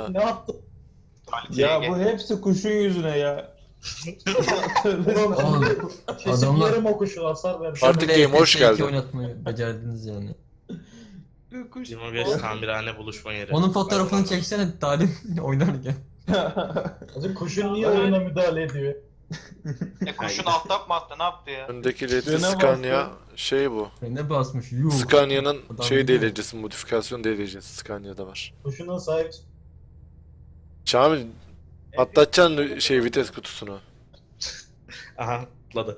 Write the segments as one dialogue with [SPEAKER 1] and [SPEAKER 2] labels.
[SPEAKER 1] Ne yaptın?
[SPEAKER 2] Ya bu hepsi kuşun yüzüne ya.
[SPEAKER 3] Oğlum
[SPEAKER 1] Kesin
[SPEAKER 3] adamlar
[SPEAKER 1] yarım o kuşu hasar vermiş.
[SPEAKER 3] şu
[SPEAKER 4] Artık
[SPEAKER 3] bile
[SPEAKER 4] game hoş
[SPEAKER 3] FPS2
[SPEAKER 4] geldin.
[SPEAKER 3] oynatmayı becerdiniz yani.
[SPEAKER 5] Limoges tamirhane buluşma yeri.
[SPEAKER 3] Onun fotoğrafını çeksene Talim oynarken.
[SPEAKER 1] Hacı kuşun niye oyuna müdahale ediyor?
[SPEAKER 6] Kuşun alt mı attı ne yaptı ya?
[SPEAKER 4] Öndeki Redli
[SPEAKER 2] Frene
[SPEAKER 4] Scania şey bu.
[SPEAKER 3] Ne basmış yuh.
[SPEAKER 4] Scania'nın
[SPEAKER 3] Adam
[SPEAKER 4] şey
[SPEAKER 3] biliyor.
[SPEAKER 4] delicesi, modifikasyon delicesi Scania'da var.
[SPEAKER 1] Kuşuna sahip
[SPEAKER 4] Şamil atlatacaksın şey vites kutusunu.
[SPEAKER 5] Aha atladı.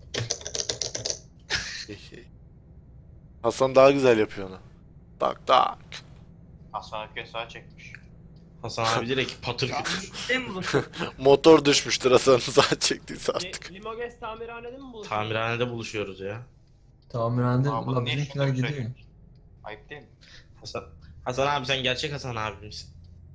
[SPEAKER 4] Hasan daha güzel yapıyor onu. Tak tak.
[SPEAKER 6] Hasan Ökü sağa çekmiş.
[SPEAKER 5] Hasan abi direkt patır kütür.
[SPEAKER 4] Motor düşmüştür Hasan'ın saat çektiyse artık.
[SPEAKER 7] Limoges tamirhanede mi buluşuyoruz?
[SPEAKER 5] Tamirhanede buluşuyoruz ya.
[SPEAKER 3] Tamirhanede
[SPEAKER 6] Aa, bunun
[SPEAKER 3] la
[SPEAKER 6] ne
[SPEAKER 3] bizimkiler
[SPEAKER 6] işini
[SPEAKER 3] gidiyor.
[SPEAKER 6] söylüyorsun? Ayıp değil mi?
[SPEAKER 5] Hasan abi sen gerçek Hasan abi misin?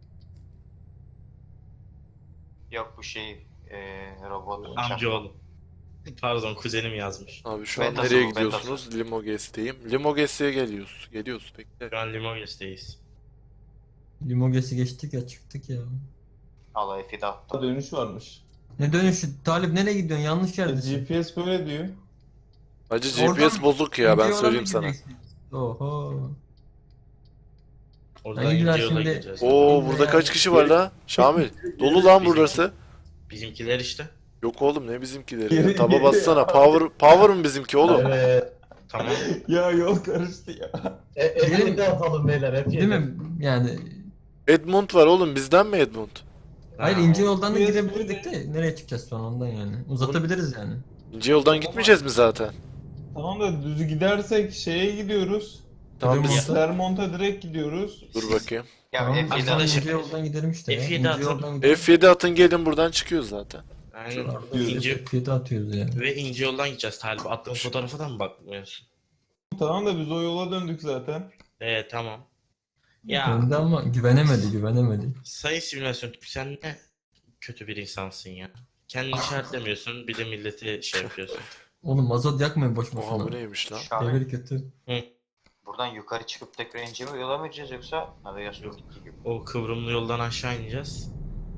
[SPEAKER 6] Yok bu şey robot
[SPEAKER 5] Amcaoğlu. Pardon kuzenim yazmış.
[SPEAKER 4] Abi şu an
[SPEAKER 6] Betası
[SPEAKER 4] nereye
[SPEAKER 6] bu,
[SPEAKER 4] gidiyorsunuz? Limoges'teyim. Limoges'e geliyoruz. Geliyoruz bekle.
[SPEAKER 5] Şu an Limoges'teyiz.
[SPEAKER 3] Limogesi geçtik ya çıktık ya.
[SPEAKER 6] Allah F'de attı.
[SPEAKER 2] Dönüş varmış.
[SPEAKER 3] Ne dönüşü? Talip nereye gidiyorsun? Yanlış yerdesin.
[SPEAKER 2] GPS böyle diyor.
[SPEAKER 4] Acı
[SPEAKER 3] Oradan
[SPEAKER 4] GPS bozuk ya ben
[SPEAKER 3] İnce yola
[SPEAKER 4] söyleyeyim
[SPEAKER 3] mı
[SPEAKER 4] sana.
[SPEAKER 3] gideceksiniz? Oho.
[SPEAKER 5] Oradan
[SPEAKER 3] Hangi
[SPEAKER 5] ince
[SPEAKER 3] yer
[SPEAKER 5] yola
[SPEAKER 3] şimdi-
[SPEAKER 5] gideceğiz.
[SPEAKER 4] Oo burada kaç kişi var la? Şamil. Dolu lan burası.
[SPEAKER 5] Bizimkiler işte.
[SPEAKER 4] Yok oğlum ne bizimkileri ya. Taba bassana. Power mı bizimki oğlum?
[SPEAKER 1] Evet.
[SPEAKER 5] Tamam.
[SPEAKER 2] Ya yol karıştı ya.
[SPEAKER 1] F7'de atalım beyler F7.
[SPEAKER 3] Değil mi? Yani
[SPEAKER 4] Edmund var oğlum bizden mi Edmund?
[SPEAKER 3] hayır
[SPEAKER 5] Ha,
[SPEAKER 3] ince yoldan da
[SPEAKER 2] Biraz
[SPEAKER 3] gidebilirdik de nereye çıkacağız sonra ondan yani. Uzatabiliriz yani.
[SPEAKER 4] İnce yoldan gitmeyeceğiz mi zaten?
[SPEAKER 2] Tamam da düz gidersek şeye gidiyoruz.
[SPEAKER 4] Tamam biz...
[SPEAKER 2] Clermont'a direkt gidiyoruz.
[SPEAKER 4] Dur bakayım.
[SPEAKER 6] Ya
[SPEAKER 3] Tamam,
[SPEAKER 6] F7'de
[SPEAKER 3] Hasan
[SPEAKER 5] arkadaşım.
[SPEAKER 3] ince yoldan gidelim işte ya.
[SPEAKER 5] F7
[SPEAKER 3] İnce
[SPEAKER 5] atın.
[SPEAKER 3] yoldan gidelim.
[SPEAKER 4] F7 atın gelin buradan çıkıyoruz zaten.
[SPEAKER 5] Aynen.
[SPEAKER 2] Diyoruz.
[SPEAKER 5] İnce,
[SPEAKER 3] F7 atıyoruz ya.
[SPEAKER 5] ve ince yoldan gideceğiz Talip. Attığın fotoğrafa da mı bakmıyorsun?
[SPEAKER 2] Tamam da biz o yola döndük zaten.
[SPEAKER 5] Tamam. Ya
[SPEAKER 3] Döndü ama güvenemedi.
[SPEAKER 5] sayın simülasyon tüpü sen ne kötü bir insansın ya. Kendini işaretlemiyorsun bir de milleti şey yapıyorsun.
[SPEAKER 3] Oğlum mazot yakmayın boş
[SPEAKER 4] Oha bu
[SPEAKER 3] boşuna.
[SPEAKER 4] neymiş lan?
[SPEAKER 6] Şahane.
[SPEAKER 3] Devir kötü.
[SPEAKER 6] Buradan yukarı çıkıp tekrar ince mi yola mı gideceğiz yoksa navigasyon gittiği gibi.
[SPEAKER 5] O kıvrımlı yoldan aşağı ineceğiz.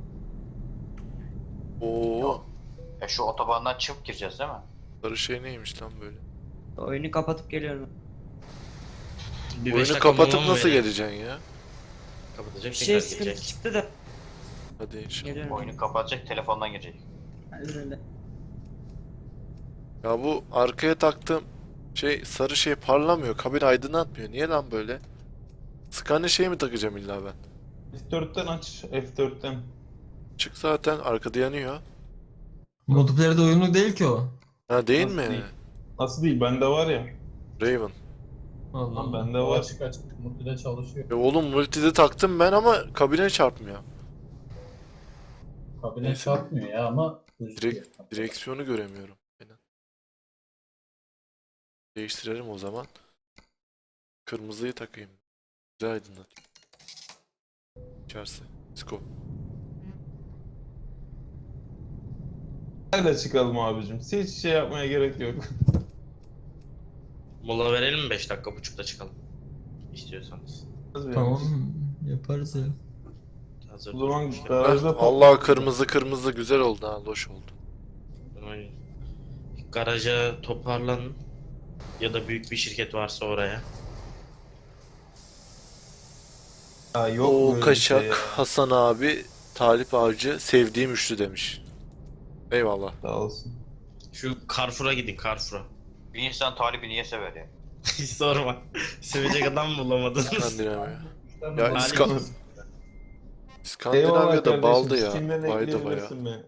[SPEAKER 4] Oo.
[SPEAKER 6] Ya şu otobandan çıkıp gireceğiz değil mi?
[SPEAKER 4] Sarı şey neymiş lan böyle?
[SPEAKER 7] Oyunu kapatıp geliyorum.
[SPEAKER 5] Bir beş
[SPEAKER 4] Oyunu
[SPEAKER 5] dakika
[SPEAKER 4] kapatıp
[SPEAKER 5] mola mı
[SPEAKER 4] nasıl
[SPEAKER 5] verelim?
[SPEAKER 4] geleceksin ya?
[SPEAKER 5] Kapatacak
[SPEAKER 7] Bir
[SPEAKER 5] tekrar
[SPEAKER 7] şey sıkıntı
[SPEAKER 5] gidecek.
[SPEAKER 7] çıktı da.
[SPEAKER 4] Hadi inşallah.
[SPEAKER 7] Geliyorum.
[SPEAKER 6] Oyunu kapatacak telefondan girecek.
[SPEAKER 7] Özür dilerim.
[SPEAKER 4] Ya bu arkaya taktığım şey sarı şey parlamıyor. Kabin aydınlatmıyor. Niye lan böyle? Scania şey mi takacağım illa ben?
[SPEAKER 2] F4'ten aç. F4'ten.
[SPEAKER 4] Çık zaten arkada yanıyor.
[SPEAKER 3] Multiplayer'de uyumlu değil ki o.
[SPEAKER 4] Ha değil
[SPEAKER 2] Nasıl
[SPEAKER 4] mi?
[SPEAKER 2] değil? Nasıl değil? Bende var ya.
[SPEAKER 4] Raven.
[SPEAKER 3] Allah
[SPEAKER 2] Lan
[SPEAKER 3] Allah.
[SPEAKER 2] bende
[SPEAKER 1] O
[SPEAKER 2] var.
[SPEAKER 1] açık multide çalışıyor.
[SPEAKER 4] Oğlum multide taktım ben ama kabine çarpmıyor.
[SPEAKER 1] Kabine
[SPEAKER 4] Neyse.
[SPEAKER 1] çarpmıyor ya ama gözüküyor.
[SPEAKER 4] Direksiyonu göremiyorum. Aynen. Değiştirelim o zaman. Kırmızıyı takayım. Güzel aydınlatayım. İçerisi. Sko.
[SPEAKER 2] Nerede çıkalım abicim? Hiç şey yapmaya gerek yok.
[SPEAKER 5] Mola verelim mi 5 dakika buçukta çıkalım. İstiyorsanız.
[SPEAKER 3] Tamam yaparız ya.
[SPEAKER 5] Hazır
[SPEAKER 2] O zaman
[SPEAKER 5] durmuş ya.
[SPEAKER 2] garajda
[SPEAKER 4] Allah kırmızı güzel oldu ha. Loş oldu.
[SPEAKER 5] Aynen. Garaja toparlanın. Ya da büyük bir şirket varsa oraya.
[SPEAKER 2] Ya yok
[SPEAKER 4] O
[SPEAKER 2] böyle bir
[SPEAKER 4] kaçak
[SPEAKER 2] şey ya.
[SPEAKER 4] Hasan abi Talip Avcı sevdiğim üçlü demiş. Eyvallah.
[SPEAKER 2] Sağ olsun.
[SPEAKER 5] Şu Carrefour'a gidin Carrefour'a.
[SPEAKER 6] Bir insan talibi niye sever ya?
[SPEAKER 5] Hiç sorma. Sevecek adam bulamadınız.
[SPEAKER 4] İskandinavya.
[SPEAKER 1] Müşterinin
[SPEAKER 4] Ya
[SPEAKER 1] hali-
[SPEAKER 4] İska-
[SPEAKER 2] Eyvallah
[SPEAKER 4] İskandinavya'da
[SPEAKER 2] kardeşim.
[SPEAKER 4] baldı ya.
[SPEAKER 2] Steam'den
[SPEAKER 4] Baydı baya.
[SPEAKER 2] ekleyebilirsin beni.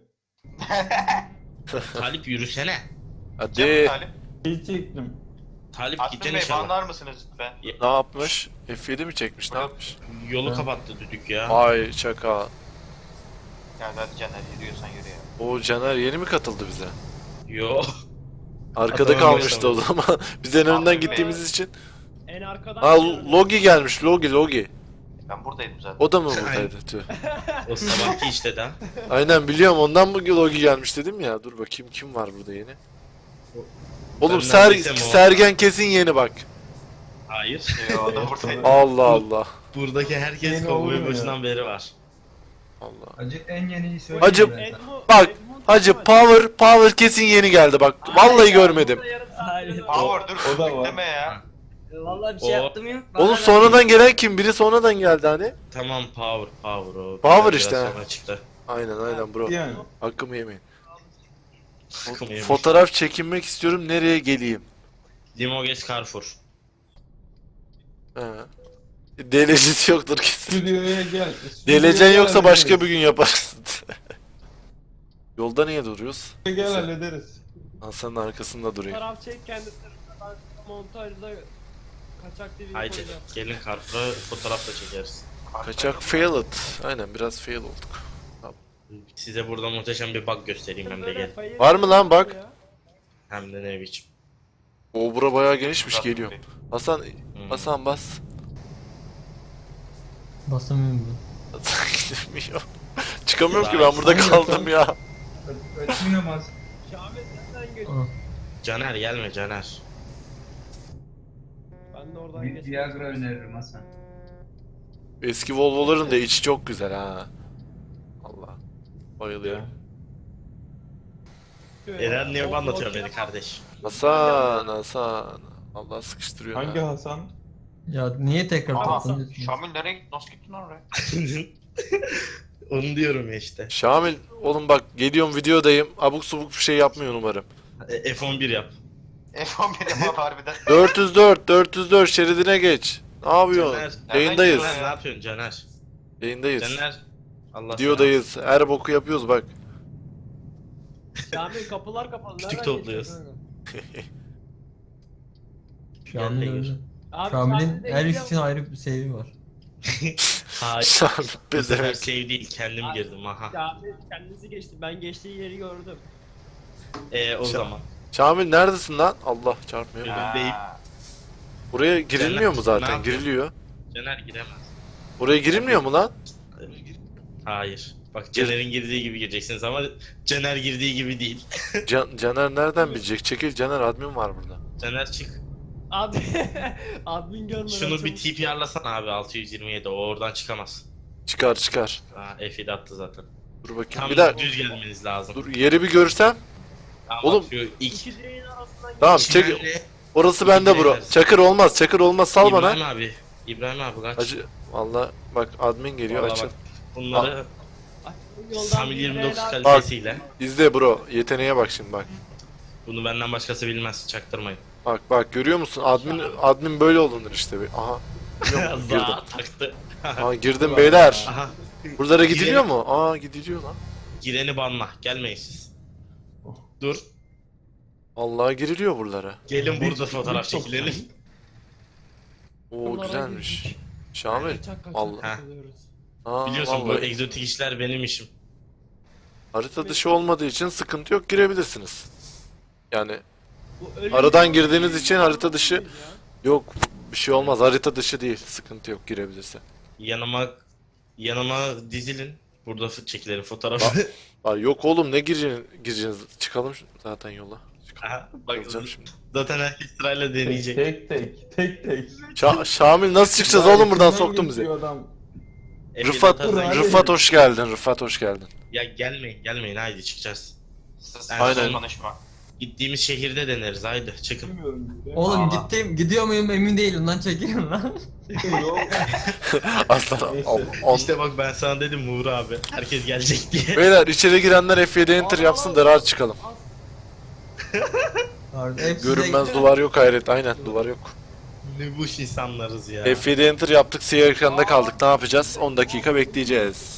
[SPEAKER 5] Talip yürüsene.
[SPEAKER 4] Hadi.
[SPEAKER 6] Talip.
[SPEAKER 2] İyi çektim.
[SPEAKER 5] Talip
[SPEAKER 6] Aslı
[SPEAKER 5] gideceksin
[SPEAKER 6] Bey
[SPEAKER 5] inşallah.
[SPEAKER 6] banlar mısınız lütfen?
[SPEAKER 4] Ne yapmış? F7 mi çekmiş? Ne yapmış?
[SPEAKER 5] Yolu
[SPEAKER 3] Ha.
[SPEAKER 5] kapattı düdük ya.
[SPEAKER 4] Ay şaka.
[SPEAKER 6] Ya hadi Caner yürüyorsan yürü ya.
[SPEAKER 4] O Caner yeni mi katıldı bize?
[SPEAKER 5] Yo.
[SPEAKER 4] Arkada
[SPEAKER 5] Adamın
[SPEAKER 4] kalmıştı o
[SPEAKER 5] başlaması.
[SPEAKER 4] zaman. Biz en önden
[SPEAKER 6] Aslı Bey.
[SPEAKER 4] gittiğimiz için.
[SPEAKER 7] En arkadan
[SPEAKER 4] Ha
[SPEAKER 7] geliyorum.
[SPEAKER 4] Logi gelmiş. Logi.
[SPEAKER 6] Ben buradaydım zaten.
[SPEAKER 4] O da mı buradaydı? Tüh.
[SPEAKER 5] O sabahki işte de.
[SPEAKER 4] Aynen biliyorum ondan mı Logi gelmiş dedim ya. Dur bakayım kim var burada yeni. Oğlum
[SPEAKER 5] Ben neredeysem o.
[SPEAKER 4] Sergen kesin yeni bak.
[SPEAKER 5] Hayır.
[SPEAKER 6] Yo, o da buradaydı.
[SPEAKER 4] Allah Allah.
[SPEAKER 5] Buradaki herkes
[SPEAKER 2] Yeni
[SPEAKER 5] kovboy
[SPEAKER 2] oluyor ya.
[SPEAKER 5] başından beri var.
[SPEAKER 4] Allah.
[SPEAKER 8] Hacı en yeniyi söyle.
[SPEAKER 4] Hacı, bak, Hacı power kesin yeni geldi bak. Vallahi görmedim.
[SPEAKER 7] Hayır.
[SPEAKER 6] Power dur
[SPEAKER 2] O da var.
[SPEAKER 6] deme ya.
[SPEAKER 7] Vallahi bir şey
[SPEAKER 5] O-
[SPEAKER 7] yaptım yok.
[SPEAKER 4] Oğlum sonradan gelen kim? Biri sonradan geldi hani.
[SPEAKER 5] Tamam power o.
[SPEAKER 4] Power
[SPEAKER 5] Biraz
[SPEAKER 4] işte.
[SPEAKER 5] sonra çıktı.
[SPEAKER 4] Aynen bro.
[SPEAKER 2] Yani.
[SPEAKER 4] Hakkımı yemeyin.
[SPEAKER 5] Hakkımı yemiş.
[SPEAKER 4] Fotoğraf çekinmek istiyorum. Nereye geleyim?
[SPEAKER 5] Limoges Carrefour.
[SPEAKER 4] He. Delecesi yoktur kesin.
[SPEAKER 2] Stüdyoya gel.
[SPEAKER 4] Delecen yoksa başka
[SPEAKER 2] hallederiz.
[SPEAKER 4] bir gün yaparız. Yolda niye duruyoruz?
[SPEAKER 2] Gel hallederiz.
[SPEAKER 4] Hasan'ın arkasında durayım.
[SPEAKER 7] Fotoğraf çek kendi tarafından montajda kaçak TV
[SPEAKER 5] Haydi
[SPEAKER 7] koyacağım.
[SPEAKER 5] gelin Carrefour'a fotoğraf da çekeriz.
[SPEAKER 4] Kaçak failed. Aynen biraz fail olduk.
[SPEAKER 5] Size burada muhteşem bir bug göstereyim hem de gel.
[SPEAKER 4] Var mı lan bak?
[SPEAKER 5] Hem de ne biçim.
[SPEAKER 4] O bura bayağı genişmiş geliyor. Hasan, Hasan bas.
[SPEAKER 3] Basamıyorum
[SPEAKER 4] Hasan gidemiyor. Çıkamıyorum ki ben burada
[SPEAKER 3] Hangi
[SPEAKER 4] kaldım ya.
[SPEAKER 8] Ötmüyor
[SPEAKER 7] Şahmet nereden geç?
[SPEAKER 3] ben.
[SPEAKER 5] Caner gelme Caner.
[SPEAKER 7] Ben de oradan
[SPEAKER 8] Bir
[SPEAKER 7] geçtim.
[SPEAKER 8] Viagra öneririm Hasan.
[SPEAKER 4] Eski Volvo'ların da içi çok güzel ha. Allah. Bayılıyorum.
[SPEAKER 5] Eren niye anlatıyor beni kardeş?
[SPEAKER 4] Hasan. Allah sıkıştırıyor.
[SPEAKER 2] Hangi
[SPEAKER 4] ha.
[SPEAKER 2] Hasan?
[SPEAKER 3] Ya niye tekrar
[SPEAKER 6] Aa,
[SPEAKER 3] toplanıyorsunuz?
[SPEAKER 6] Şamil nereye gitti? Nasıl gittin oraya?
[SPEAKER 5] Onu diyorum ya işte.
[SPEAKER 4] Şamil, oğlum bak geliyorum videodayım. Abuk subuk bir şey yapmıyor umarım.
[SPEAKER 5] F11 yap.
[SPEAKER 6] F11 yapar harbiden.
[SPEAKER 4] 404 şeridine geç. Ne yapıyorsun?
[SPEAKER 5] Caner.
[SPEAKER 4] Yayındayız.
[SPEAKER 5] Caner ne yapıyorsun Caner?
[SPEAKER 4] Yayındayız.
[SPEAKER 5] Caner. Allah
[SPEAKER 4] Videodayız. Her boku yapıyoruz bak.
[SPEAKER 7] Şahmet kapılar kapalı.
[SPEAKER 5] Kütük
[SPEAKER 7] nereden
[SPEAKER 5] topluyoruz.
[SPEAKER 7] geçiyorsun?
[SPEAKER 3] Şamil
[SPEAKER 5] Gel de
[SPEAKER 3] öyle.
[SPEAKER 7] Abi,
[SPEAKER 3] Şamil'in
[SPEAKER 7] Şahmet'e
[SPEAKER 3] her iş
[SPEAKER 7] gidiyorum.
[SPEAKER 3] için ayrı bir sebebi var.
[SPEAKER 5] Hayır.
[SPEAKER 4] Şamil
[SPEAKER 5] Bu sefer
[SPEAKER 4] bezemek.
[SPEAKER 5] save değil kendim girdim aha.
[SPEAKER 7] Şahmet kendisi geçti. Ben geçtiği yeri gördüm.
[SPEAKER 5] O zaman.
[SPEAKER 4] Şamil neredesin lan? Allah çarpmıyor.
[SPEAKER 5] Önündeyim.
[SPEAKER 6] Ha.
[SPEAKER 4] Buraya girilmiyor mu
[SPEAKER 5] Ne
[SPEAKER 4] zaten?
[SPEAKER 5] yapıyorsun?
[SPEAKER 4] Giriliyor.
[SPEAKER 5] Caner giremez.
[SPEAKER 4] Buraya girilmiyor mu lan?
[SPEAKER 5] Hayır. Bak Caner'in girdiği gibi gireceksiniz ama Caner girdiği gibi değil.
[SPEAKER 4] Caner nereden bilecek? Çekil Caner, admin var burada.
[SPEAKER 5] Caner çık.
[SPEAKER 7] Abi admin görmeden
[SPEAKER 5] Şunu bir
[SPEAKER 7] çabuk-
[SPEAKER 5] TPR'lasana abi 627 o oradan çıkamaz.
[SPEAKER 4] Çıkar.
[SPEAKER 5] Ha F7 attı zaten.
[SPEAKER 4] Dur bakayım.
[SPEAKER 5] Tam
[SPEAKER 4] Bir daha.
[SPEAKER 5] düz gelmeniz lazım.
[SPEAKER 4] Dur yeri bir görsem.
[SPEAKER 5] Tamam,
[SPEAKER 4] Oğlum.
[SPEAKER 5] bak şu ilk
[SPEAKER 7] İki direğin arasından
[SPEAKER 4] Tamam
[SPEAKER 5] Çimenle-
[SPEAKER 4] çek. Orası bende bro.
[SPEAKER 5] İbrahim.
[SPEAKER 4] Çakır olmaz sal
[SPEAKER 5] İbrahim
[SPEAKER 4] bana.
[SPEAKER 5] abi. İbrahim abi kaç.
[SPEAKER 4] Acı. Valla bak admin geliyor
[SPEAKER 5] Vallahi
[SPEAKER 4] açıl.
[SPEAKER 5] bak, bunları
[SPEAKER 7] Yoldan
[SPEAKER 5] Samil
[SPEAKER 7] bir
[SPEAKER 5] 29
[SPEAKER 7] helal-
[SPEAKER 5] kalitesiyle.
[SPEAKER 4] İzle bro. Yeteneğe bak şimdi bak.
[SPEAKER 5] Bunu benden başkası bilmez çaktırmayın.
[SPEAKER 4] Bak görüyor musun? Admin böyle olunur işte. Aha. Biliyor musun? Girdim.
[SPEAKER 5] Za taktı.
[SPEAKER 4] Aha girdim beyler.
[SPEAKER 5] Aha.
[SPEAKER 4] Buralara gidiliyor mu? Aa gidiliyor lan.
[SPEAKER 5] Gireni banla. Gelmeyin siz. Dur.
[SPEAKER 4] Allah giriliyor buralara.
[SPEAKER 5] Gelin burada fotoğraf çekilelim.
[SPEAKER 4] Oo
[SPEAKER 7] Bunlara
[SPEAKER 4] güzelmiş.
[SPEAKER 7] girdik.
[SPEAKER 4] Şamil.
[SPEAKER 7] Kaçak kaçak
[SPEAKER 4] Vallahi.
[SPEAKER 7] takılıyoruz.
[SPEAKER 4] Aa,
[SPEAKER 5] Biliyorsun bu
[SPEAKER 4] vallahi.
[SPEAKER 5] egzotik işler benim işim.
[SPEAKER 4] Harita dışı olmadığı için sıkıntı yok, girebilirsiniz. Yani
[SPEAKER 7] Bu ölü
[SPEAKER 4] Aradan
[SPEAKER 7] bir-
[SPEAKER 4] girdiğiniz için harita dışı- yok bir şey olmaz, harita dışı değil, sıkıntı yok, girebilirse.
[SPEAKER 5] Yanıma dizilin. Burada çekilelim fotoğrafı.
[SPEAKER 4] Aa, yok oğlum ne gireceğiniz? Çıkalım zaten yola.
[SPEAKER 5] Aha, bak
[SPEAKER 4] Alacağım şimdi.
[SPEAKER 5] zaten herkes sırayla deneyecek.
[SPEAKER 2] Tek.
[SPEAKER 4] Şamil nasıl çıkacağız oğlum buradan, soktun bizi.
[SPEAKER 2] Adam.
[SPEAKER 4] Rıfat,
[SPEAKER 5] Atarsan-
[SPEAKER 4] Rıfat hoş geldin, Rıfat hoş geldin.
[SPEAKER 5] Ya gelmeyin haydi çıkacağız.
[SPEAKER 4] Aynen.
[SPEAKER 6] Konuşma.
[SPEAKER 5] Gittiğimiz şehirde deneriz haydi çıkın.
[SPEAKER 2] Bilmiyorum.
[SPEAKER 3] Oğlum
[SPEAKER 6] Aa.
[SPEAKER 3] gidiyor muyum emin değilim lan, çekilin lan.
[SPEAKER 2] Yok.
[SPEAKER 4] Aslan
[SPEAKER 2] Neyse.
[SPEAKER 5] İşte bak ben sana dedim Uğur abi. Herkes gelecek diye.
[SPEAKER 4] Beyler içeri girenler F7 enter yapsın da rahat çıkalım. Görünmez duvar yok hayret, aynen duvar yok.
[SPEAKER 5] Ne boş insanlarız ya.
[SPEAKER 4] F7 enter yaptık, siyah ekranda kaldık, ne yapacağız? 10 dakika bekleyeceğiz.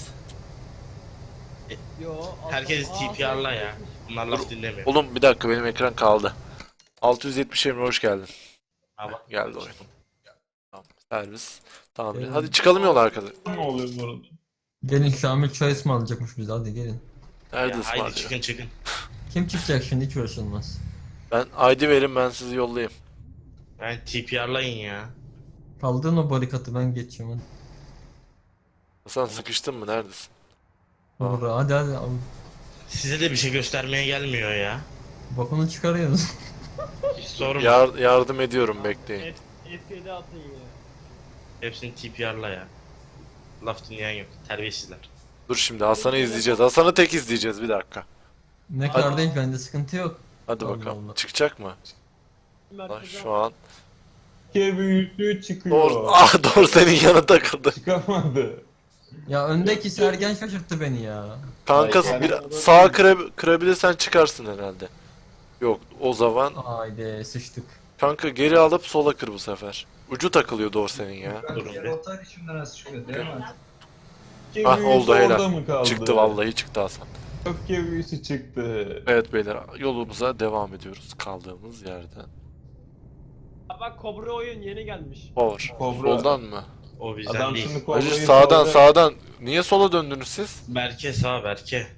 [SPEAKER 7] Yo,
[SPEAKER 5] Herkes
[SPEAKER 7] aa,
[SPEAKER 5] TPR'la ya.
[SPEAKER 7] sen-
[SPEAKER 5] Bunlar laf dinlemiyor.
[SPEAKER 4] Oğlum bir dakika, benim ekran kaldı. 670 Emre hoş geldin.
[SPEAKER 5] Ha, bak.
[SPEAKER 4] Geldi oyun. Tamam, servis. Tamam.
[SPEAKER 3] Evet.
[SPEAKER 4] Hadi çıkalım yola arkadaşlar.
[SPEAKER 2] Ne oluyor bu arada?
[SPEAKER 3] Gelin Şamil çay ısmarlayacakmış bize, hadi gelin.
[SPEAKER 4] Nerede
[SPEAKER 5] Ya, haydi
[SPEAKER 4] ısmarlıyor?
[SPEAKER 5] çıkın.
[SPEAKER 3] Kim çıkacak şimdi, hiç uğraşılmaz.
[SPEAKER 4] Ben ID verin, ben sizi yollayayım.
[SPEAKER 5] Ben TPR'layın ya.
[SPEAKER 3] Kaldırın o barikatı, ben geçiyorum hadi.
[SPEAKER 4] Hasan sıkıştın mı? Neredesin?
[SPEAKER 3] Doğru, hadi.
[SPEAKER 5] Size de bir şey göstermeye gelmiyor ya.
[SPEAKER 3] Bakını çıkarıyorsunuz.
[SPEAKER 5] Hiç sorma.
[SPEAKER 4] Yardım ediyorum, bekleyin.
[SPEAKER 7] F7 atın ya.
[SPEAKER 5] Hepsini TPR'la ya. Laf dinleyen yok. Terbiyesizler.
[SPEAKER 4] Dur şimdi Hasan'ı izleyeceğiz. Hasan'ı tek izleyeceğiz bir dakika.
[SPEAKER 3] Ne kadar değil, bende sıkıntı yok.
[SPEAKER 4] Hadi
[SPEAKER 3] Allah
[SPEAKER 4] bakalım.
[SPEAKER 3] Allah.
[SPEAKER 4] Çıkacak mı? Lan
[SPEAKER 7] Merkeze
[SPEAKER 4] şu an.
[SPEAKER 2] Ke büyüklüğü çıkıyor.
[SPEAKER 4] Doğru senin yanına takıldı.
[SPEAKER 2] Çıkamadı.
[SPEAKER 3] Ya öndeki Sergen şaşırttı beni ya.
[SPEAKER 4] Kanka
[SPEAKER 1] Ay,
[SPEAKER 4] bir
[SPEAKER 1] yani-
[SPEAKER 4] sağa kırabilirsen çıkarsın herhalde. Yok o zaman
[SPEAKER 3] Haydi sıçtık.
[SPEAKER 4] kanka geri alıp sola kır bu sefer. Ucu takılıyor doğru senin ya.
[SPEAKER 5] Durun bir.
[SPEAKER 8] Rotar içimden nasıl çıkıyor değil mi?
[SPEAKER 2] Ke
[SPEAKER 4] Ah,
[SPEAKER 2] büyüsü
[SPEAKER 4] oldu, helal.
[SPEAKER 2] orada mı kaldı?
[SPEAKER 4] Çıktı vallahi çıktı Hasan.
[SPEAKER 2] Öfke büyüsü çıktı.
[SPEAKER 4] Evet beyler yolumuza devam ediyoruz kaldığımız yerden.
[SPEAKER 7] Ya bak Kobra oyun yeni gelmiş.
[SPEAKER 4] Power.
[SPEAKER 2] Kobra.
[SPEAKER 4] Soldan mı?
[SPEAKER 5] O bizden
[SPEAKER 2] Adam
[SPEAKER 5] değil.
[SPEAKER 2] şimdi
[SPEAKER 4] Hacı
[SPEAKER 2] kobrayı
[SPEAKER 4] sağdan
[SPEAKER 2] saldı.
[SPEAKER 4] sağdan. Niye sola döndünüz siz?
[SPEAKER 5] Berke sağ Berke.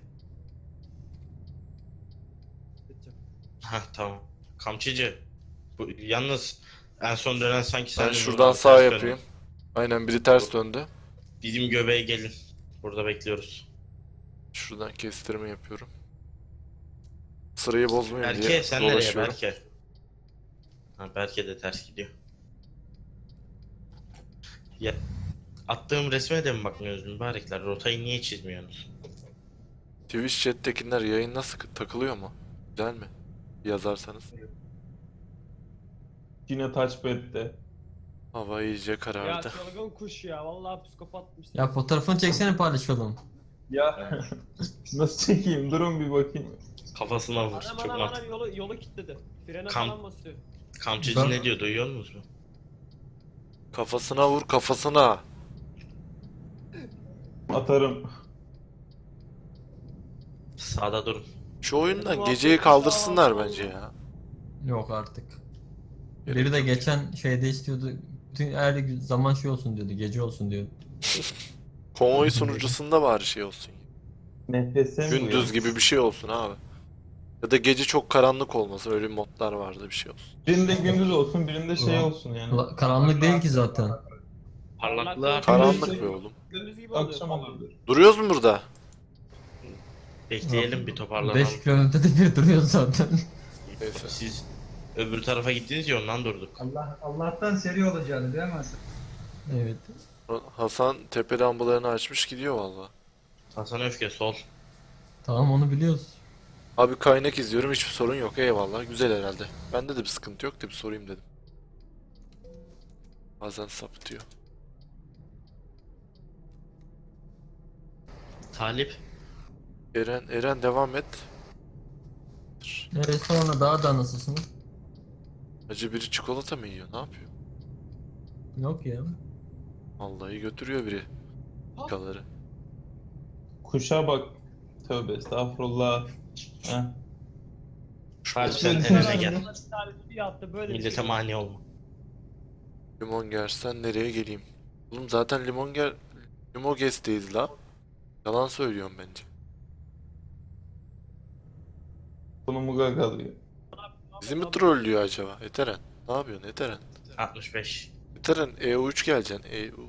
[SPEAKER 5] Ha tamam. Kamçıcı. Bu yalnız en son dönen sanki sen
[SPEAKER 4] Ben
[SPEAKER 5] de
[SPEAKER 4] şuradan
[SPEAKER 5] buradan
[SPEAKER 4] sağ
[SPEAKER 5] ters
[SPEAKER 4] yapayım.
[SPEAKER 5] dönün.
[SPEAKER 4] Aynen biri ters döndü.
[SPEAKER 5] Bizim göbeğe gelin. Burada bekliyoruz.
[SPEAKER 4] Şuradan kestirme yapıyorum. Sırayı bozmayayım
[SPEAKER 5] Berke
[SPEAKER 4] diye
[SPEAKER 5] sen nereye
[SPEAKER 4] dolaşıyorum.
[SPEAKER 5] Berke? Ha Berke de ters gidiyor. Ya attığım resme de mi bakmıyorsunuz mübarekler? Rotayı niye çizmiyorsunuz?
[SPEAKER 4] Twitch chat'tekiler yayın nasıl takılıyor mu? Güzel mi? Yazarsanız.
[SPEAKER 2] Yine touchpad'de.
[SPEAKER 4] Hava iyice
[SPEAKER 7] Ya
[SPEAKER 4] karardı.
[SPEAKER 7] çılgın kuş ya. Vallahi psikopatmış.
[SPEAKER 3] Ya fotoğrafını çeksene, paylaşalım.
[SPEAKER 2] Ya nasıl çekeyim? Durun bir bakayım.
[SPEAKER 5] Kafasına vur.
[SPEAKER 7] Adam
[SPEAKER 5] Çok
[SPEAKER 7] adam
[SPEAKER 5] mantıklı.
[SPEAKER 7] yolu kilitledi. Frene
[SPEAKER 5] Kam-
[SPEAKER 7] falan basıyor.
[SPEAKER 5] Kamçıcı
[SPEAKER 3] Ben-
[SPEAKER 5] ne diyor duyuyor musunuz?
[SPEAKER 4] Kafasına vur kafasına.
[SPEAKER 2] Atarım.
[SPEAKER 5] Sağda durun.
[SPEAKER 4] Şu oyundan geceyi kaldırsınlar bence ya.
[SPEAKER 3] Yok artık. Biri de geçen şeyde istiyordu. Bütün her zaman şey olsun diyordu, gece olsun diyordu.
[SPEAKER 4] Konvoy sunucusunda bari şey olsun.
[SPEAKER 2] Nefese mi
[SPEAKER 4] Gündüz gibi bir şey olsun abi. Ya da gece çok karanlık olmasın. Öyle modlar vardı bir şey olsun.
[SPEAKER 2] Birinde gündüz olsun, birinde şey
[SPEAKER 3] Ulan.
[SPEAKER 2] olsun yani.
[SPEAKER 3] Karanlık değil ki zaten.
[SPEAKER 5] Parlaklığa
[SPEAKER 4] Karanlık be oğlum.
[SPEAKER 7] Gündüz gibi oluyor
[SPEAKER 2] Akşam
[SPEAKER 7] falan.
[SPEAKER 2] olur.
[SPEAKER 4] Duruyoruz mu burada?
[SPEAKER 5] bekleyelim bir toparlanalım.
[SPEAKER 3] 5 kilometrede bir duruyor zaten.
[SPEAKER 4] Neyse.
[SPEAKER 5] Siz öbür tarafa gittiniz ya ondan durduk.
[SPEAKER 8] Allah'tan seri olacağını değil mi Hasan?
[SPEAKER 3] Evet.
[SPEAKER 4] Hasan tepe lambalarını açmış gidiyor valla.
[SPEAKER 5] Hasan Öfke sol.
[SPEAKER 3] Tamam, onu biliyoruz.
[SPEAKER 4] Abi kaynak izliyorum hiçbir sorun yok eyvallah güzel herhalde. Bende de bir sıkıntı yok da bir sorayım dedim. Bazen sapıtıyor.
[SPEAKER 5] Talip.
[SPEAKER 4] Eren devam et.
[SPEAKER 3] Sonra daha da nasılsınız?
[SPEAKER 4] Acı biri çikolata mı yiyor ne yapıyor?
[SPEAKER 3] Yok ya.
[SPEAKER 4] Vallahi götürüyor biri. Kaları.
[SPEAKER 2] Kuşa bak. Tövbe estağfurullah. Heh.
[SPEAKER 5] Talip sen
[SPEAKER 2] Şöyle-
[SPEAKER 5] en öne gel.
[SPEAKER 7] Bir tane bir yaptı böyle bir
[SPEAKER 5] Millete
[SPEAKER 7] şey.
[SPEAKER 5] mani olma.
[SPEAKER 4] Limon gersen nereye geleyim? Oğlum zaten Limoges'teyiz la. Yalan söylüyorum bence.
[SPEAKER 2] Bunu gagalıyor.
[SPEAKER 4] Bizi mi trollüyor acaba? Eteren. Ne yapıyorsun Eteren?
[SPEAKER 5] 65.
[SPEAKER 4] Eteren EU3 geleceksin. EU3.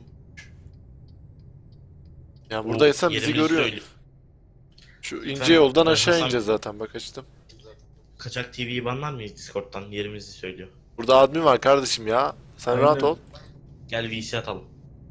[SPEAKER 4] Yani buradaysan bizi
[SPEAKER 5] Yerimizi
[SPEAKER 4] görüyorsun.
[SPEAKER 5] söyle.
[SPEAKER 4] Şu ince
[SPEAKER 5] Efendim,
[SPEAKER 4] yoldan
[SPEAKER 5] ben
[SPEAKER 4] aşağı
[SPEAKER 5] Hasan-
[SPEAKER 4] ineceğiz zaten bak açtım.
[SPEAKER 5] Kaçak TV'yi banlar mıyız Discord'dan? Yerimizi söylüyor.
[SPEAKER 4] Burada admin var kardeşim ya. Sen
[SPEAKER 2] Aynen.
[SPEAKER 4] rahat ol.
[SPEAKER 5] Gel VC atalım.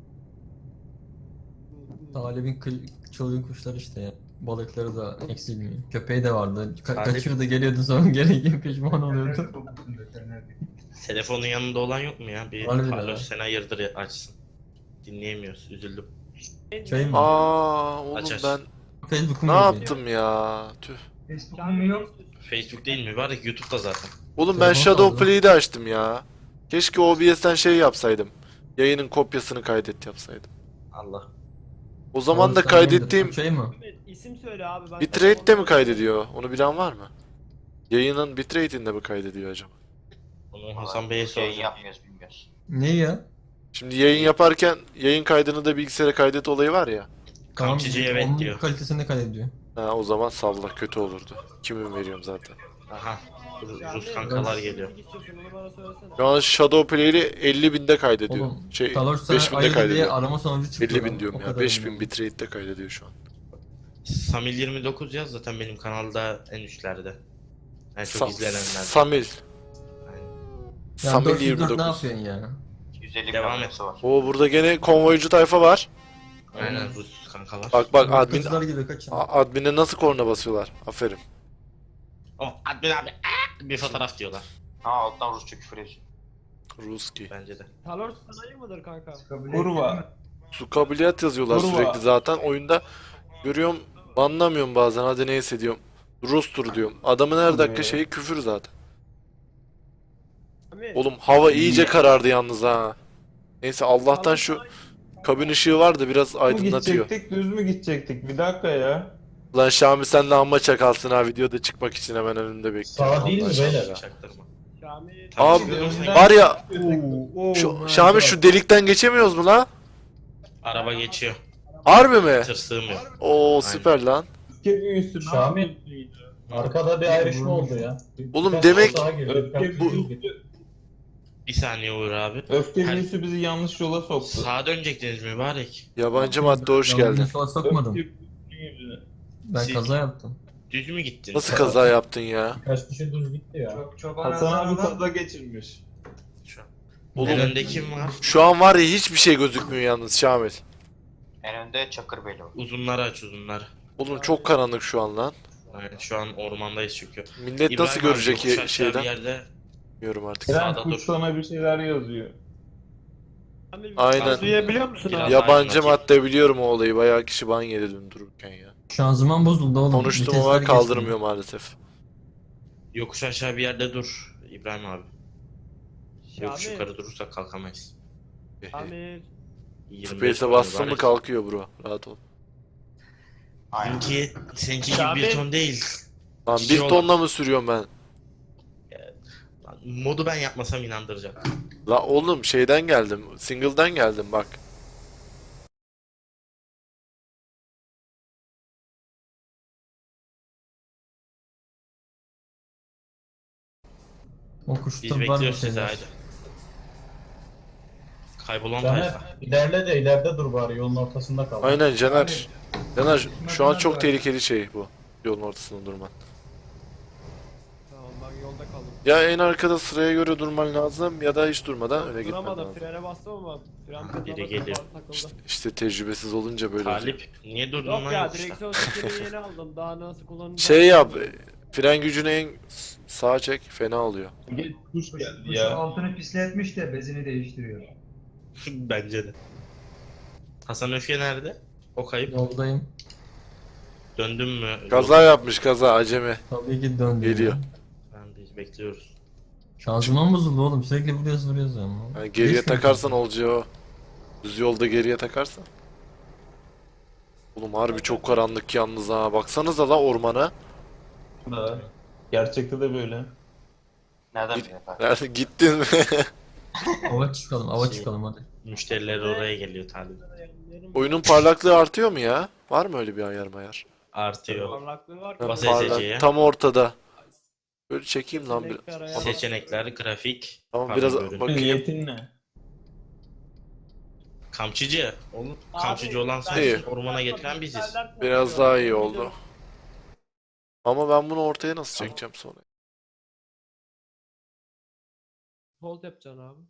[SPEAKER 3] Talib'in çılgın kuşlar işte ya. Balıkları da eksilmiyor. Köpeği de vardı.
[SPEAKER 5] Talip-
[SPEAKER 3] Kaçıyordu, geliyordu, sonra geri pişman oluyordu.
[SPEAKER 5] Telefonun yanında olan yok mu ya? Bir
[SPEAKER 3] Harbiden
[SPEAKER 5] Carlos
[SPEAKER 3] ha.
[SPEAKER 5] sen hayırdır açsın. Dinleyemiyoruz. Üzüldüm.
[SPEAKER 3] Şey mi?
[SPEAKER 4] Aa oğlum
[SPEAKER 5] Aç, aç.
[SPEAKER 4] ben
[SPEAKER 3] Facebook'um
[SPEAKER 4] ne
[SPEAKER 3] yok ya.
[SPEAKER 4] yaptım ya? Tüh.
[SPEAKER 8] Facebook'un mu yok?
[SPEAKER 5] Facebook değil mi? Mübarek YouTube'da zaten.
[SPEAKER 4] Oğlum ben
[SPEAKER 3] Telefon
[SPEAKER 4] Shadow
[SPEAKER 3] kaldı.
[SPEAKER 4] Play'de açtım ya. Keşke OBS'ten şey yapsaydım. Yayının kopyasını kaydet yapsaydım.
[SPEAKER 5] Allah.
[SPEAKER 4] O zaman da
[SPEAKER 3] Oğlum sen neydi?
[SPEAKER 4] kaydettiğim
[SPEAKER 3] Şey mi?
[SPEAKER 7] İsim söyle abi. Ben
[SPEAKER 4] bitrate de mi kaydediyor? Onu bilen var mı? Yayının bitrate'inde mi kaydediyor acaba?
[SPEAKER 5] Onu Hasan Bey'e
[SPEAKER 6] Yayın
[SPEAKER 5] soracağım.
[SPEAKER 6] yapmıyoruz bilmiyoruz.
[SPEAKER 3] Ne ya?
[SPEAKER 4] Şimdi yayın yaparken yayın kaydını da bilgisayara kaydet olayı var ya.
[SPEAKER 5] Kamçıcı evet
[SPEAKER 3] onun
[SPEAKER 5] diyor.
[SPEAKER 3] kalitesini kaydediyor.
[SPEAKER 4] Ha, o zaman salla kötü olurdu. Kimin veriyorum zaten.
[SPEAKER 5] Aha.
[SPEAKER 7] Yani
[SPEAKER 5] Rus kankalar geliyor.
[SPEAKER 7] müzik istiyorsun, onu bana söylesene.
[SPEAKER 4] Şu an Shadow Play'li 50.000'de kaydediyor.
[SPEAKER 3] Oğlum,
[SPEAKER 4] Şey
[SPEAKER 3] Color sana
[SPEAKER 4] 5000'de
[SPEAKER 3] ayırdı diye
[SPEAKER 4] kaydediyor.
[SPEAKER 3] arama sonucu çıktı.
[SPEAKER 4] 50.000 diyorum
[SPEAKER 3] O
[SPEAKER 4] ya.
[SPEAKER 3] kadar
[SPEAKER 4] 5000
[SPEAKER 3] bilmiyorum.
[SPEAKER 4] bitrate'de kaydediyor şu an.
[SPEAKER 5] Samil 29 yaz zaten benim kanalda en üstlerde. En çok
[SPEAKER 4] Sa-
[SPEAKER 5] izlenenlerden.
[SPEAKER 4] Samil.
[SPEAKER 5] Aynen.
[SPEAKER 3] Ya
[SPEAKER 4] Samil
[SPEAKER 3] 404 ne
[SPEAKER 4] 29.
[SPEAKER 3] yapıyorsun ya?
[SPEAKER 6] 250
[SPEAKER 5] Devam
[SPEAKER 6] milyon
[SPEAKER 5] et.
[SPEAKER 6] nüfusu var.
[SPEAKER 4] Oo burada gene konvoycu tayfa var.
[SPEAKER 5] Aynen Rus kankalar.
[SPEAKER 4] Bak bak admin
[SPEAKER 3] Kızlar gibi kaçın.
[SPEAKER 4] admine nasıl korna basıyorlar. Aferin.
[SPEAKER 5] O admin abi bir fotoğraf diyorlar
[SPEAKER 6] Ha alttan Rusça küfür ediyor.
[SPEAKER 4] Ruski.
[SPEAKER 5] bence de.
[SPEAKER 7] Talor sanayi mıdır kanka?
[SPEAKER 8] Çıkabilir
[SPEAKER 2] Kurva.
[SPEAKER 8] mi?
[SPEAKER 4] Su kabiliyet yazıyorlar
[SPEAKER 2] Kurva.
[SPEAKER 4] sürekli zaten. Oyunda görüyorum, anlamıyorum bazen. Hadi neyse diyorum. Rustur diyorum. Adamın her dakika şeyi küfür zaten.
[SPEAKER 7] Abi,
[SPEAKER 4] Oğlum hava iyice karardı yalnız ha. Neyse Allah'tan şu kabin ışığı var da biraz
[SPEAKER 2] Mı
[SPEAKER 4] aydınlatıyor.
[SPEAKER 2] gidecektik, düz mü gidecektik? Bir dakika ya.
[SPEAKER 4] Lan Şami sen de amma çakalsın ha, videoda çıkmak için hemen önümde bekliyorum.
[SPEAKER 1] Sağ değil mi
[SPEAKER 4] Allah
[SPEAKER 1] beyler?
[SPEAKER 4] aşkına.
[SPEAKER 5] Çaktırma.
[SPEAKER 7] Şami.
[SPEAKER 5] Tamam,
[SPEAKER 4] Abi,
[SPEAKER 5] çıkıyorum sen.
[SPEAKER 4] var ya
[SPEAKER 2] Oo,
[SPEAKER 4] Şami şu delikten geçemiyoruz mu la?
[SPEAKER 5] Araba geçiyor.
[SPEAKER 4] Harbi mi?
[SPEAKER 5] Tır sığmıyor.
[SPEAKER 4] Oo süper lan.
[SPEAKER 2] Öfke büyüsü.
[SPEAKER 1] Şami. Arkada bir ayrışma oldu ya.
[SPEAKER 4] Oğlum
[SPEAKER 1] Birkaç
[SPEAKER 4] demek-
[SPEAKER 1] sağa girdi, birkaç
[SPEAKER 2] Öfke
[SPEAKER 1] sağa
[SPEAKER 2] büyüsü.
[SPEAKER 1] girdi.
[SPEAKER 5] Bir saniye Uğur abi.
[SPEAKER 2] Öfke
[SPEAKER 5] Her-
[SPEAKER 2] büyüsü bizi yanlış yola soktu.
[SPEAKER 5] Sağa dönecektiniz mübarek.
[SPEAKER 4] Yabancı madde hoş
[SPEAKER 3] Ben
[SPEAKER 4] geldin.
[SPEAKER 3] yola sokmadım.
[SPEAKER 2] Öfke büyüsü.
[SPEAKER 3] Ben
[SPEAKER 5] Siz-
[SPEAKER 3] kaza yaptım.
[SPEAKER 5] Düz mü gittin?
[SPEAKER 4] Nasıl kaza yaptın ya?
[SPEAKER 1] Birkaç kişi düz gitti ya.
[SPEAKER 8] Çoban
[SPEAKER 2] Hasan abi
[SPEAKER 8] Hasan
[SPEAKER 2] kaza geçirmiş.
[SPEAKER 5] Şu an.
[SPEAKER 4] Oğlum-
[SPEAKER 5] En önde kim var?
[SPEAKER 4] Şu an var ya hiçbir şey gözükmüyor yalnız Şamil.
[SPEAKER 6] En önde Çakırbeyli var.
[SPEAKER 5] Uzunları aç uzunları.
[SPEAKER 4] Oğlum çok karanlık şu an lan.
[SPEAKER 5] Aynen şu an ormandayız çünkü.
[SPEAKER 4] Millet
[SPEAKER 5] İbrahim
[SPEAKER 4] nasıl
[SPEAKER 5] abi,
[SPEAKER 4] görecek
[SPEAKER 5] yokuş aşağı
[SPEAKER 4] şeyden?
[SPEAKER 5] Bir yerde
[SPEAKER 4] Bilmiyorum artık.
[SPEAKER 2] Tren
[SPEAKER 5] Sağda dur.
[SPEAKER 2] kuş sana bir şeyler yazıyor.
[SPEAKER 7] Şami,
[SPEAKER 4] Aynen.
[SPEAKER 7] duyabiliyor musun
[SPEAKER 5] Biraz
[SPEAKER 7] abi?
[SPEAKER 4] Yabancı
[SPEAKER 5] aydınlatayım.
[SPEAKER 4] madde biliyorum o olayı. Bayağı kişi ban yedi dün dururken ya.
[SPEAKER 3] Şanzıman bozuldu oğlum.
[SPEAKER 4] Konuştum
[SPEAKER 3] Vitesler
[SPEAKER 4] ama kaldırmıyor maalesef.
[SPEAKER 5] yokuş aşağı bir yerde dur İbrahim abi. Yokuş
[SPEAKER 7] Şami.
[SPEAKER 5] yukarı durursak kalkamayız.
[SPEAKER 7] Şami.
[SPEAKER 5] 25
[SPEAKER 4] Space'e
[SPEAKER 5] var
[SPEAKER 4] bastın mı
[SPEAKER 5] mübarek.
[SPEAKER 4] kalkıyor bro. Rahat ol.
[SPEAKER 6] Aynen.
[SPEAKER 5] Seninki gibi
[SPEAKER 7] Şami.
[SPEAKER 5] bir ton değil.
[SPEAKER 4] Lan
[SPEAKER 5] Kişi
[SPEAKER 4] bir
[SPEAKER 5] olan.
[SPEAKER 4] tonla mı sürüyorum ben?
[SPEAKER 5] Lan, modu ben yapmasam inandıracak.
[SPEAKER 4] La oğlum şeyden geldim. Single'dan geldim bak.
[SPEAKER 3] O
[SPEAKER 5] Biz
[SPEAKER 3] kuşta var bir
[SPEAKER 5] bekliyoruz sizi
[SPEAKER 3] şeyler.
[SPEAKER 5] haydi. Kaybolan
[SPEAKER 1] Caner
[SPEAKER 5] tayfa.
[SPEAKER 1] ilerle de ileride dur bari, yolun ortasında kal.
[SPEAKER 4] Aynen Caner. Caner şu an çok
[SPEAKER 8] bırak.
[SPEAKER 4] tehlikeli şey bu. Yolun ortasında durman.
[SPEAKER 7] Tamam ben yolda kaldım.
[SPEAKER 4] Ya en arkada sıraya göre durman lazım ya da hiç durmadan öne gitmen
[SPEAKER 7] Duramadım,
[SPEAKER 4] lazım.
[SPEAKER 7] frene bastım ama fren
[SPEAKER 5] Biri
[SPEAKER 7] pedala
[SPEAKER 5] geliyor.
[SPEAKER 7] takıldı.
[SPEAKER 4] İşte tecrübesiz olunca böyle oluyor.
[SPEAKER 5] Talip niye durdun
[SPEAKER 7] Yok
[SPEAKER 5] lan
[SPEAKER 7] ya,
[SPEAKER 5] yokuşta?
[SPEAKER 7] direksiyon sistemini yeni aldım. Daha nasıl kullanacağım?
[SPEAKER 4] Şey yap. Fren gücünü en sağa çek, fena oluyor.
[SPEAKER 2] Geç kuş
[SPEAKER 8] Kuş,
[SPEAKER 2] geldi
[SPEAKER 8] kuş
[SPEAKER 2] ya.
[SPEAKER 8] altını pisletmiş de bezini değiştiriyor.
[SPEAKER 5] Bence de. Hasan Öfke nerede? O kayıp.
[SPEAKER 3] Yoldayım.
[SPEAKER 5] Döndün mü?
[SPEAKER 4] Kaza yapmış kaza acemi.
[SPEAKER 3] Tabii ki döndüm.
[SPEAKER 4] Geliyor.
[SPEAKER 3] ya.
[SPEAKER 5] Ben de bekliyoruz.
[SPEAKER 3] Şanzıman bozuldu oğlum. Sürekli vuruyoruz ama.
[SPEAKER 4] Yani geriye
[SPEAKER 3] Geçmiyor
[SPEAKER 4] takarsan
[SPEAKER 3] çünkü.
[SPEAKER 4] olacağı o. Düz yolda geriye takarsan. Oğlum harbi çok karanlık yalnız ha. Baksanıza la ormana.
[SPEAKER 2] Da. Gerçekte de böyle.
[SPEAKER 6] Nereden
[SPEAKER 4] Git-
[SPEAKER 6] biliyor bak.
[SPEAKER 4] Nerede gittin mi?
[SPEAKER 3] Ava çıkalım, ava
[SPEAKER 5] Şey-
[SPEAKER 3] çıkalım hadi.
[SPEAKER 5] Müşteriler oraya geliyor Talip.
[SPEAKER 4] Oyunun parlaklığı artıyor mu ya? Var mı öyle bir ayar mayar?
[SPEAKER 5] Artıyor.
[SPEAKER 7] Parlaklığı var.
[SPEAKER 4] Ha,
[SPEAKER 5] Bas
[SPEAKER 4] parlak-
[SPEAKER 5] ESC'ye.
[SPEAKER 4] tam ortada. Böyle çekeyim lan bir.
[SPEAKER 7] Seçenekler ayar-
[SPEAKER 4] Tamam.
[SPEAKER 5] Seçenekler, grafik.
[SPEAKER 4] Tamam
[SPEAKER 5] pardon,
[SPEAKER 4] biraz
[SPEAKER 5] görüntü.
[SPEAKER 4] bakayım.
[SPEAKER 2] Niyetin ne?
[SPEAKER 5] Kamçıcı. Oğlum
[SPEAKER 7] Abi,
[SPEAKER 5] kamçıcı olan
[SPEAKER 7] ben-
[SPEAKER 4] İyi.
[SPEAKER 5] sensin. Ormana getiren biziz.
[SPEAKER 4] Biraz daha iyi oldu. Ama ben bunu ortaya nasıl çekeceğim sonra?
[SPEAKER 7] Hold yapacaksın abi.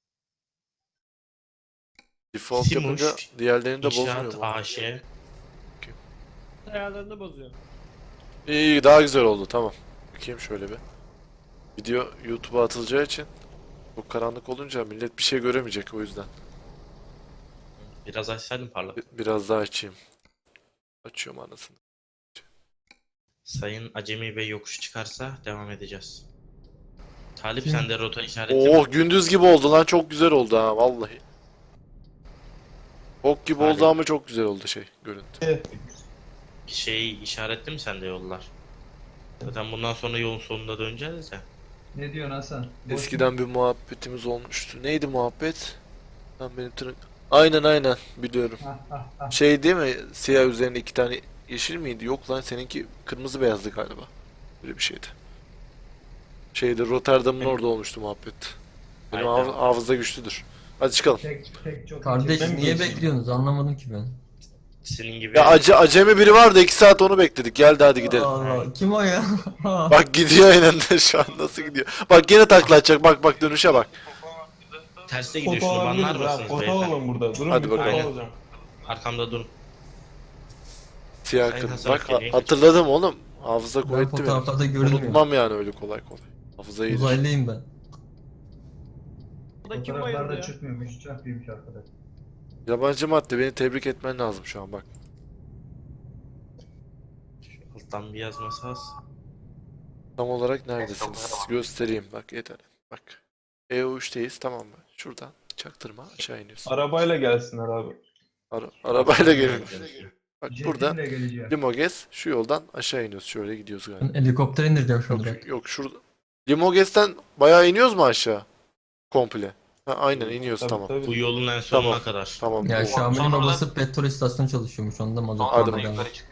[SPEAKER 4] Default
[SPEAKER 5] Simuş,
[SPEAKER 4] yapınca diğerlerini de
[SPEAKER 5] İnşaat
[SPEAKER 4] bozmuyor mu?
[SPEAKER 5] AŞ.
[SPEAKER 7] Ayarlarını bozuyor.
[SPEAKER 4] İyi daha güzel oldu tamam. Bakayım şöyle bir. Video YouTube'a atılacağı için çok karanlık olunca millet bir şey göremeyecek o yüzden.
[SPEAKER 5] Biraz açsaydım parlak.
[SPEAKER 4] Biraz daha açayım. Açıyorum anasını.
[SPEAKER 5] Sayın Acemi Bey yokuş çıkarsa devam edeceğiz. Talip
[SPEAKER 3] Kim?
[SPEAKER 5] sende rota işareti mi?
[SPEAKER 4] Oh gündüz gibi oldu lan, çok güzel oldu ha vallahi. Ok gibi oldu
[SPEAKER 5] Hadi.
[SPEAKER 4] ama çok güzel oldu şey görüntü.
[SPEAKER 5] Bir şey işaretli mi sende yollar? Zaten bundan sonra yolun sonunda döneceğiz ya.
[SPEAKER 8] Ne diyorsun Hasan? Boş
[SPEAKER 4] Eskiden bir muhabbetimiz olmuştu. Neydi muhabbet? Lan benim aynen biliyorum.
[SPEAKER 8] mu?
[SPEAKER 4] Şey değil mi? Siyah üzerine iki tane yeşil miydi? Yok lan seninki kırmızı beyazdı galiba. Böyle bir şeydi. Şeyde Rotterdam'ın orada olmuştu muhabbet. Benim
[SPEAKER 5] Aynen.
[SPEAKER 4] hafıza güçlüdür. Hadi çıkalım.
[SPEAKER 8] Tek çok
[SPEAKER 3] Kardeş
[SPEAKER 2] Ben
[SPEAKER 3] niye
[SPEAKER 2] geçeyim.
[SPEAKER 3] bekliyorsunuz? Anlamadım ki ben.
[SPEAKER 5] Senin gibi
[SPEAKER 4] Ya acemi biri vardı 2 saat onu bekledik. Geldi hadi gidelim.
[SPEAKER 3] Allah, kim o ya?
[SPEAKER 4] Bak gidiyor aynen de şu an nasıl gidiyor. Bak yine takla atacak. Bak dönüşe bak.
[SPEAKER 5] terste gidiyor
[SPEAKER 2] Foto
[SPEAKER 5] şunu banlar
[SPEAKER 2] alabiliriz ha.
[SPEAKER 5] mısınız
[SPEAKER 2] Foto
[SPEAKER 5] beyefendi?
[SPEAKER 2] alalım burada. Durun
[SPEAKER 4] Hadi
[SPEAKER 2] bir foto
[SPEAKER 4] bakalım.
[SPEAKER 2] alacağım.
[SPEAKER 5] Arkamda durun.
[SPEAKER 4] Siyah
[SPEAKER 5] Sayın
[SPEAKER 4] kırmızı.
[SPEAKER 5] Hasan
[SPEAKER 4] Bak
[SPEAKER 5] Efe'yi
[SPEAKER 4] hatırladım oğlum. Hafıza
[SPEAKER 3] Ben
[SPEAKER 4] kuvvetli benim.
[SPEAKER 3] fotoğraflarda görünmüyor.
[SPEAKER 4] Unutmam yani öyle kolay kolay. Hafıza iyidir.
[SPEAKER 3] Uzaylıyım ben.
[SPEAKER 7] Burada kim bayıldı
[SPEAKER 8] Fotoğraflarda
[SPEAKER 7] ya?
[SPEAKER 8] çıkmıyormuş. Uçak büyümüş arkadaş.
[SPEAKER 4] Yabancı madde, beni tebrik etmen lazım şu an bak.
[SPEAKER 5] Şu alttan bir yazması az.
[SPEAKER 4] Tam olarak neredesiniz? Göstereyim bak yeter. Bak. EU3'teyiz tamam mı? Şuradan çaktırma aşağı iniyorsun.
[SPEAKER 2] Arabayla gelsinler abi.
[SPEAKER 4] Arabayla gelin. Bak burada
[SPEAKER 8] Jetinle geleceğim.
[SPEAKER 4] Limoges, şu yoldan aşağı iniyoruz. Şöyle gidiyoruz galiba.
[SPEAKER 3] Ben helikopter indireceğim şunu
[SPEAKER 4] Yok,
[SPEAKER 3] direkt.
[SPEAKER 4] yok şurada. Limoges'ten bayağı iniyoruz mu aşağı? Komple. Ha, aynen iniyoruz
[SPEAKER 2] Tabii,
[SPEAKER 4] tamam.
[SPEAKER 2] tabii.
[SPEAKER 5] Bu yolun en sonuna
[SPEAKER 4] Tamam.
[SPEAKER 5] kadar.
[SPEAKER 4] Tamam.
[SPEAKER 3] Ya
[SPEAKER 4] o-
[SPEAKER 3] Şamil'in
[SPEAKER 6] Sonra da-
[SPEAKER 3] babası petrol istasyonu çalışıyormuş. Onda mazot
[SPEAKER 6] Sonra da
[SPEAKER 3] alıyor.
[SPEAKER 6] yukarı çıkıyor.